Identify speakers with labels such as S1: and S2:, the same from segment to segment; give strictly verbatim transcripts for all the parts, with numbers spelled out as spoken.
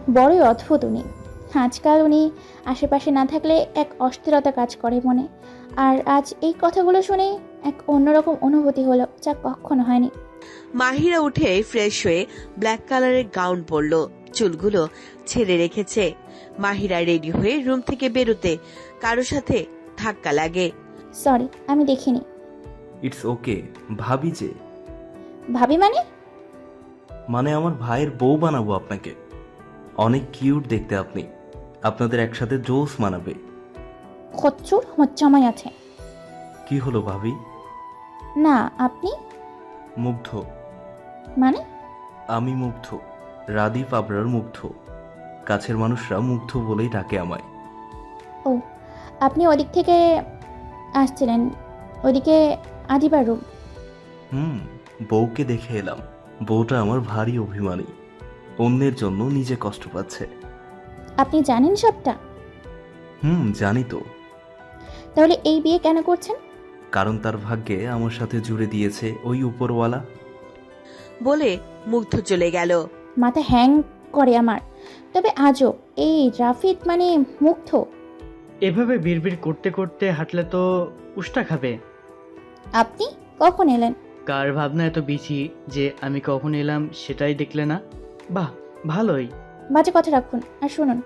S1: বড়ই অদ্ভুত উনি। আজকাল উনি আশেপাশে না থাকলে এক অস্থিরতা কাজ করে মনে। আর আজ এই কথাগুলো শুনে এক অন্যরকম অনুভূতি হলো, যা কখনো হয়নি।
S2: মাহিরা উঠে ফ্রেশ হয়ে ব্ল্যাক কালারের গাউন পরলো, চুলগুলো ছেড়ে রেখেছে। মাহিরা রেডি হয়ে রুম থেকে বেরোতে কারো সাথে ধাক্কা লাগে।
S1: সরি, আমি দেখিনি।
S3: It's okay. ভাবি যে,
S1: ভাবি মানে?
S3: মানে আমার ভাইয়ের বউ বানাবো আপনাকে। অনেক কিউট দেখতে আপনি। আপনাদের একসাথে জোস মানাবে।
S1: খচ্চুর হচ্ছামাই আছে।
S3: কি হলো ভাবি?
S1: না, আপনি?
S3: মুগ্ধ।
S1: মানে?
S3: আমি মুগ্ধ, রাদীপ আবরার মুগ্ধ। কাছের মানুষরা মুগ্ধ বলেই ডাকে আমায়।
S1: ও, আপনি ওদিক থেকে আসছিলেন? ওদিকে আদিবার রুম?
S3: হুম, বউকে দেখে এলাম। বউটা আমার ভারী অভিমানী, অন্যের জন্য নিজে কষ্ট পাচ্ছে।
S1: আপনি জানেন সবটা?
S3: হুম, জানি তো।
S1: তাহলে এই বিয়ে কেন করছেন?
S3: কারণ তার ভাগ্যে আমার সাথে জুড়ে দিয়েছে ওই উপরওয়ালা।
S2: বলে মুগ্ধ চলে গেল।
S1: মাথা হ্যাং করে আমার। তবে আজও এই রাফিদ মানে মুগ্ধ।
S4: এভাবে বিড়বিড় করতে করতে হাঁটলে তো উষ্টা খাবে।
S1: আপনি কখন এলেন?
S4: কার ভাবনা এত বিচি যে আমি কখন এলাম সেটাই দেখলে না? বাহ, ভালোই।
S1: বাজে কথা রাখুন আর শুনুন।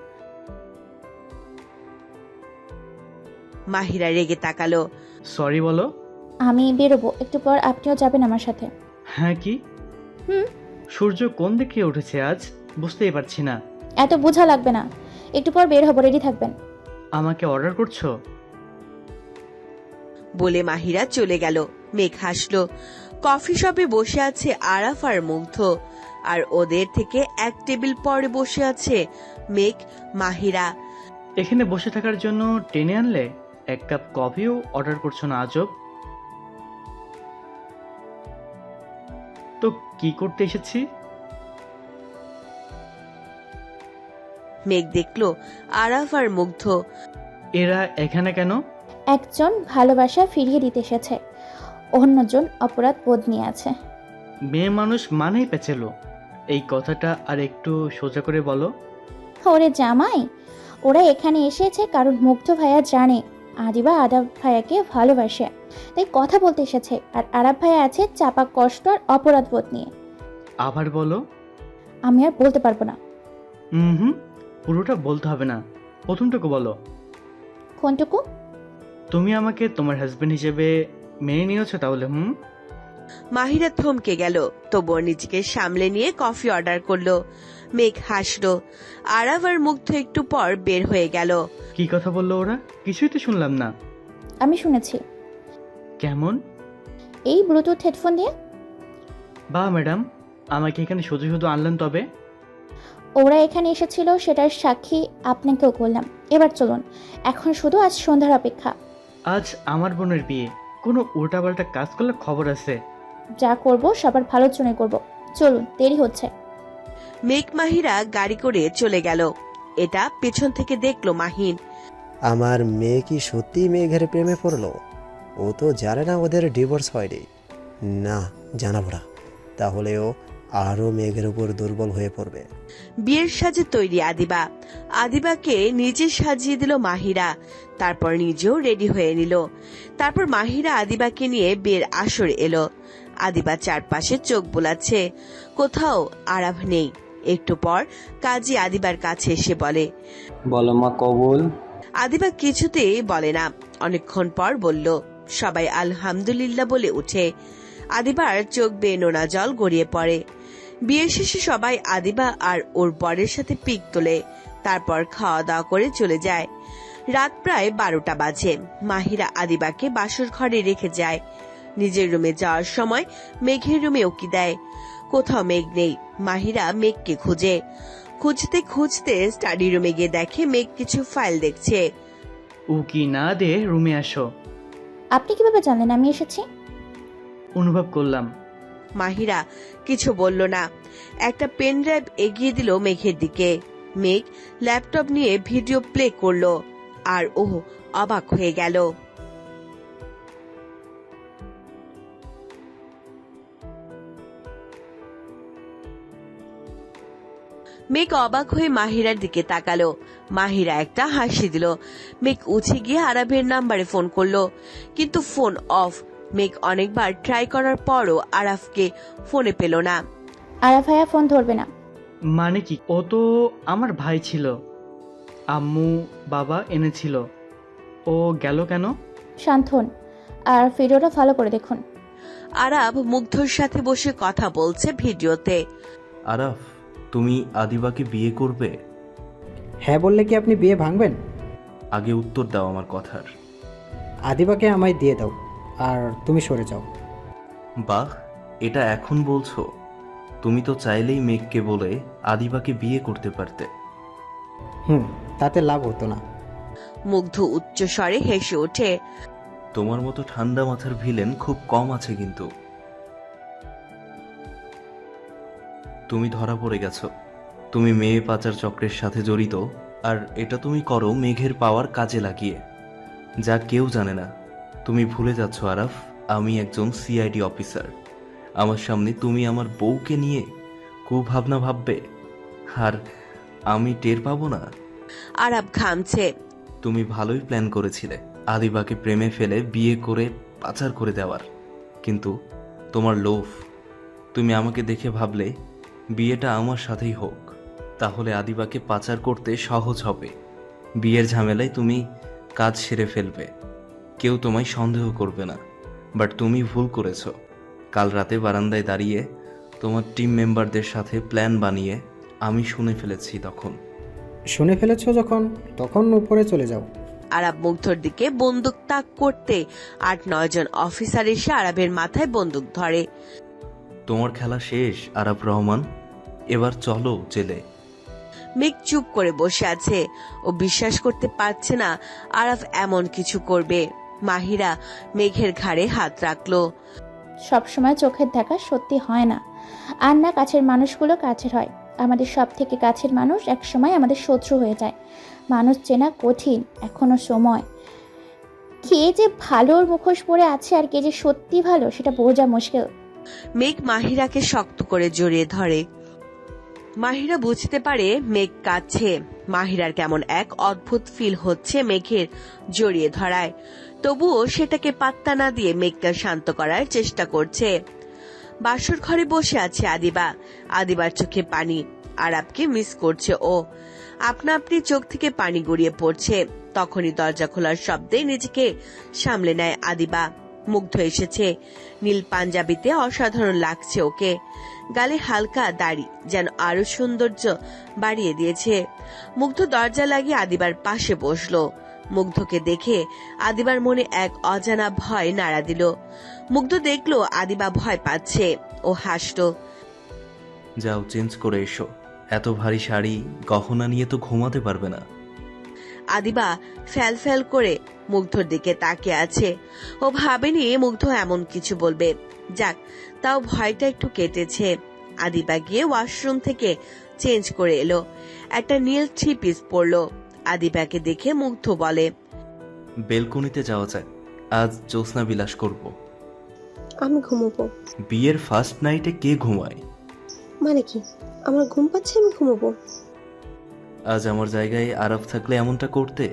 S2: মাহিরা রেগে তাকালো।
S4: সরি বলো।
S1: আমি বেরোবো, একটু পর আপনিও যাবেন আমার সাথে।
S4: হ্যাঁ কি?
S1: হুম।
S4: সূর্য কোন দিকে উঠেছে আজ বুঝতেই পারছি না।
S1: এত বোঝা লাগবে না, একটু পর বের হবো, রেডি থাকবেন।
S4: আমাকে অর্ডার করছো?
S2: বলে মাহিরা চলে গেল। মেঘ হাসলো। কফি শপে বসে আছে আরাফ আর মুগ্ধ, আর ওদের থেকে এক টেবিল পরে বসে আছে মেঘ, মাহিরা।
S4: এখানে বসে থাকার জন্য টেনে আনলে, এক কাপ কফিও অর্ডার করছো না আজব। তো কি করতে এসেছি?
S2: মেঘ দেখলো আরাফ আর মুগ্ধ।
S4: এরা এখানে কেন?
S1: একজন ভালোবাসা ফিরিয়ে দিতে এসেছে, অন্যজন অপরাধ বোধ নিয়ে আছে।
S4: মেয়ে মানুষ মানেই পেঁচেলো। এই কথাটা আর একটু সোজা করে বলো।
S1: ওরে জামাই, ওরা এখানে এসেছে কারণ মুগ্ধ ভাইয়া জানে আদিবা আদাব ভাইয়াকে ভালোবাসে, তাই কথা বলতে এসেছে। আর আরাব ভাইয়া আছে চাপা কষ্ট আর অপরাধ বোধ নিয়ে।
S4: আবার বলো।
S1: আমি আর বলতে পারবো না।
S4: হুম হুম, পুরোটা বলতে হবে না, প্রথমটুকু বলো।
S1: কোনটুকু?
S4: তুমি আমাকে তোমার হাজবেন্ড হিসেবে মেনে নিয়েছো তাহলে? হুম।
S2: মাহিরা থমকে গেল, তবুও নিজেকে সামলে নিয়ে কফি অর্ডার করলো। মেঘ হাসলো। আরাফ আর মুগ্ধ একটু পর বের হয়ে গেল।
S4: কি কথা বললো ওরা? কিছুই তো শুনলাম না।
S1: আমি শুনেছি।
S4: কেমন?
S1: এই ব্লুটুথ হেডফোন দিয়ে।
S4: বাহ ম্যাডাম, আমাকে এখানে শুধু শুধু আনলেন তবে।
S1: ওরা এখানে এসেছিল সেটার সাক্ষী আপনাকেও করলাম। এবার চলুন, এখন শুধু আজ সন্ধ্যার অপেক্ষা।
S4: আজ আমার বোনের বিয়ে, কোনো উল্টাপাল্টা কাজ করলে খবর আছে।
S1: যা করব সবার ভালোর জন্য করব। চলুন, দেরি হচ্ছে।
S2: মেঘ মাহিরা গাড়ি করে চলে গেল। এটা পেছন থেকে দেখলো মাহিন।
S5: আমার মেয়ে কি সত্যি মেঘের প্রেমে পড়লো? ও তো জানে না ওদের ডিভোর্স হয়নি। না, জানাবো না, তাহলেও আরও মেঘের উপর দুর্বল হয়ে পড়বে।
S2: বিয়ের সাজে তৈরি আদিবা। আদিবাকে নিজে সাজিয়ে দিল মাহিরা, তারপর নিজেও রেডি হয়ে নিল। তারপর মাহিরা আদিবাকে নিয়ে বিয়ের আসরে এলো। আদিবা চারপাশে চোখ বোলাচ্ছে, কোথাও আরাভ নেই। একটু পর কাজী আদিবার কাছে এসে বলে,
S6: বলো মা কবুল।
S2: আদিবা কিছুতেই বলে না। অনেকক্ষণ পর বলল। সবাই আলহামদুলিল্লাহ বলে উঠে। আদিবার চোখ বেয়ে নোনা জল গড়িয়ে পড়ে। বিয়ের শেষে সবাই আদিবা আর ওর বরের সাথে পিক তোলে, তারপর খাওয়া দাওয়া করে চলে যায়। রাত প্রায় বারোটা বাজে। মাহিরা আদিবাকে বাসর ঘরে রেখে যায়। নিজের রুমে যাওয়ার সময় মেঘের রুমে উকি দেয়, কোথাও মেঘ নেই। মাহিরা মেঘকে খুঁজে। খুঁজতে খুঁজতে স্টাডি রুমে গিয়ে দেখে মেঘ কিছু ফাইল দেখছে।
S4: উকি না দে রুমে আসো।
S1: আপনি কিভাবে জানলেন আমি এসেছি?
S4: অনুভব করলাম।
S2: মাহিরা কিছু বলল না। একটা পেন ড্রাইভ এগিয়ে দিল মেঘের দিকে। মেঘ ল্যাপটপ নিয়ে ভিডিও প্লে করলো, আর ও অবাক হয়ে গেল। মেঘ অবাক হয়ে মাহিরার দিকে তাকালো। মাহিরা একটা হাসি দিল। মেঘ উঠে গিয়ে আরাফের নাম্বারে ফোন করলো, কিন্তু ফোন অফ। মেঘ অনেকবার ট্রাই করার পরও আরাফকে ফোনে পেল না।
S1: আরাফ ভাইয়া ফোন ধরবে না।
S4: মানে কি? ও তো আমার ভাই ছিল, আম্মু বাবা এনেছিল, ও গেল কেন?
S1: শান্ত হন আর ভিডিওটা ফলো করে দেখুন।
S2: আরাফ মুগ্ধর সাথে বসে কথা বলছে ভিডিওতে।
S3: আরাফ, তুমি আদিবাকে বিয়ে করবে?
S7: হ্যাঁ বললে কি আপনি বিয়ে ভাঙবেন?
S3: আগে উত্তর দাও আমার কথার।
S7: আদিবাকে আমায় দিয়ে দাও আর তুমি সরে যাও।
S3: বাহ, এটা এখন বলছো? তুমি তো চাইলেই মেঘকে বলে আদিবাকে বিয়ে করতে পারতে।
S7: হুম, তাতে লাভ হতো না।
S2: মুগ্ধ উচ্চ স্বরে হেসে ওঠে।
S3: তোমার মতো ঠান্ডা মাথার ভিলেন খুব কম আছে কিন্তু। তুমি ধরা পড়ে গেছো। তুমি মেয়ে পাচার চক্রের সাথে জড়িত, আর এটা তুমি করো মেঘের পাওয়ার কাজে লাগিয়ে, যা কেউ জানে না। তুমি ভুলে যাচ্ছ আরাফ, আমি একজন সিআইডি অফিসার। আমার সামনে তুমি আমার বউকে নিয়ে কুভাবনা ভাববে, আর আমি টের পাবো না?
S2: আরাফ ঘামছে।
S3: তুমি ভালোই প্ল্যান করেছিলে আদিবাকে প্রেমে ফেলে বিয়ে করে পাচার করে দেওয়ার, কিন্তু তোমার লোভ। তুমি আমাকে দেখে ভাবলে বিয়েটা আমার সাথেই হোক, তাহলে আদিবাকে পাচার করতে সহজ হবে। বিয়ের ঝামেলায় তুমি কাজ সেরে ফেলবে, কেউ তোমায় সন্দেহ করবে না। বাট তুমি ভুল করেছ। কাল রাতে বারান্দায় দাঁড়িয়ে তোমার টিম মেম্বারদের সাথে প্ল্যান বানিয়ে আমি শুনে ফেলেছি। তখন
S7: শুনে ফেলেছো যখন, তখন উপরে চলে যাও।
S2: আরাব মুগ্ধর দিকে বন্দুক তাক করতে আট নয় জন অফিসার এসে আরাবের মাথায় বন্দুক ধরে।
S3: তোমার খেলা শেষ আরাব রহমান, এবার চলো জেলে।
S2: মেঘ চুপ করে বসে আছে। ও বিশ্বাস করতে পারছে না আরাফ এমন কিছু করবে। মাহিরা মেঘের ঘাড়ে হাত রাখলো।
S1: সবসময় চোখের দেখা সত্যি হয় না, আর না কাছের মানুষগুলো কাছের হয়। আমাদের সব থেকে কাছের মানুষ একসময় আমাদের শত্রু হয়ে যায়। মানুষ চেনা কঠিন, এখনো সময়। কে যে ভালোর মুখোশ পরে আছে আর কে যে সত্যি ভালো সেটা বোঝা মুশকিল।
S2: মেঘ মাহিরাকে শক্ত করে জড়িয়ে ধরে। মাহিরা বুঝতে পারে মেঘ কাছে। মাহিরার কেমন এক অদ্ভুত ফিল হচ্ছে মেঘের জড়িয়ে ধরায়, তবুও সেটাকে পাত্তা না দিয়ে মেঘকে শান্ত করার চেষ্টা করছে। বাসর ঘরে বসে আছে আদিবা। আদিবার চোখে পানি। আরাবকে মিস করছে ও। আপনা আপনি চোখ থেকে পানি গড়িয়ে পড়ছে। তখনই দরজা খোলার শব্দে নিজেকে সামলে নেয় আদিবা। মুগ্ধ এসেছে। নীল পাঞ্জাবিতে অসাধারণ লাগছে ওকে। গালে হালকা দাড়ি যেন আরো সৌন্দর্য বাড়িয়ে দিয়েছে। মুগ্ধ দরজা লাগিয়ে আদিবার পাশে বসলো। মুগ্ধকে দেখে আদিবার মনে এক অজানা ভয় নাড়া দিল। মুগ্ধ দেখলো আদিবা ভয় পাচ্ছে। ও হাসলো।
S3: যাও চেঞ্জ করে এসো, এত ভারী শাড়ি গহনা নিয়ে তো ঘুমাতে পারবে না।
S2: আদিবা ফ্যাল ফ্যাল করে মুগ্ধর দিকে তাকিয়ে আছে। ও ভাবেনি মুগ্ধ এমন কিছু বলবে। যাক, তাও ভয়টা একটু কেটেছে। আদিবা গিয়ে ওয়াশরুম থেকে চেঞ্জ করে এলো। একটা নীল থ্রি পিস পরলো। আদিবাকে দেখে মুগ্ধ বলে,
S3: বেলকনিতে যাওয়া যায়, আজ জ্যোৎস্না বিলাস করব।
S8: আমি ঘুমোবো।
S3: বিয়ের ফার্স্ট নাইটে কে ঘুমায়?
S8: মানে কি, আমার ঘুম পাচ্ছে, আমি ঘুমোবো।
S3: আজ আমার জায়গায় আরাফ থাকলে এমনটা করতে?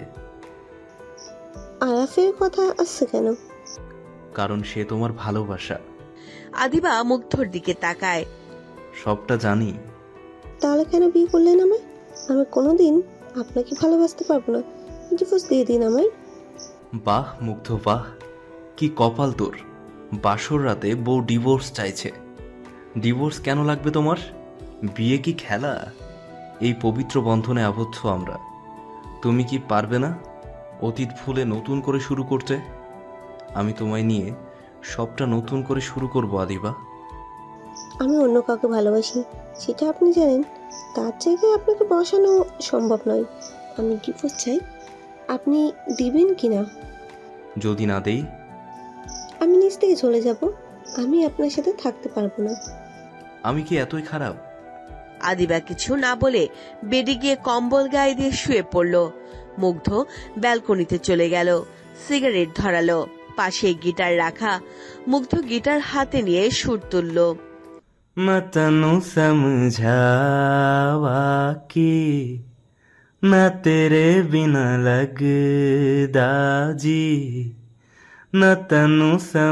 S8: আরাফের কথা আসছে কেন?
S3: কারণ সে তোমার ভালোবাসা।
S2: আদিবা মুগ্ধর দিকে তাকায়।
S3: সবটা জানি।
S8: তাহলে কেন বিয়ে করলেন আমায়? আমি কোনোদিন আপনাকে ভালোবাসতে পারবো না। ডিভোর্স দিয়ে দিন আমায়।
S3: বাহ মুগ্ধ বাহ, কি কপাল তোর। বাসর রাতে বউ ডিভোর্স চাইছে। ডিভোর্স কেন লাগবে তোমার? বিয়ে কি খেলা? এই পবিত্র বন্ধনে আবদ্ধ আমরা। তুমি কি পারবে না অতীত ভুলে নতুন করে শুরু করতে? আমি তোমায় নিয়ে সবটা নতুন করে শুরু করব আদিবা।
S8: আমি অন্য কাউকে ভালোবাসি, সেটা আপনি জানেন। তার জায়গায় আপনাকে বসানো সম্ভব নয়। আমি ডিভোর্স চাই। আপনি দিবেন কিনা?
S3: যদি না দেই?
S8: আমি নিজ থেকে চলে যাব। আমি আপনার সাথে থাকতে পারবো না।
S3: আমি কি এতই খারাপ?
S2: আদিবা কিছু না বলে বেডে গিয়ে কম্বল গায়ে দিয়ে শুয়ে পড়ল। মুগ্ধ ব্যালকনিতে চলে গেল। সিগারেট ধরালো। পাশে গিটার রাখা। মুগ্ধ গিটার হাতে নিয়ে সুর তুলল।
S3: मैं तनु समझावा कि ना तेरे बिना लगदा जी, न तनु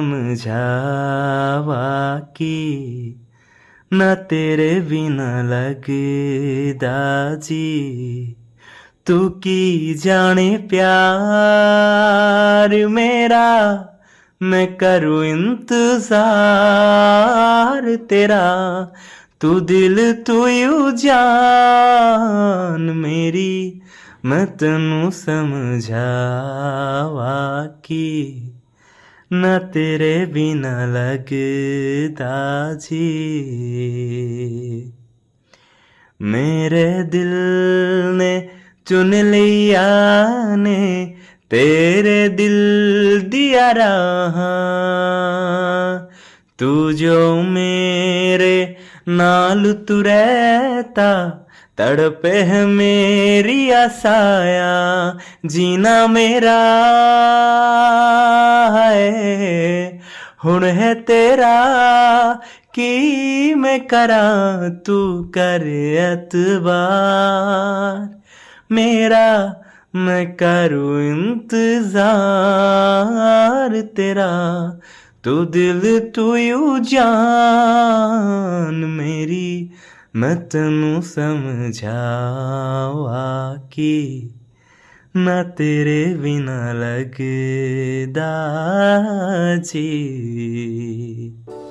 S3: समझावा कि न तेरे बिना लगदा जी। तू की जाने प्यार मेरा, मैं करूँ इंतजार तेरा। तू दिल तू यू जान मेरी, मैं तनु समझावा कि न तेरे बिना लगदा जी। मेरे दिल ने चुन लिया ने तेरे दिल दिया रहा, तू जो मेरे नाल तू रहता, तड़पे है मेरी आसाया जीना मेरा है। हुण है तेरा की मैं करा, तू कर एतबार मेरा, मैं करूँ इंतजार तेरा। तू दिल तू यू जान मेरी, मैं तनु समझावा कि न तेरे बिना लगदा जी।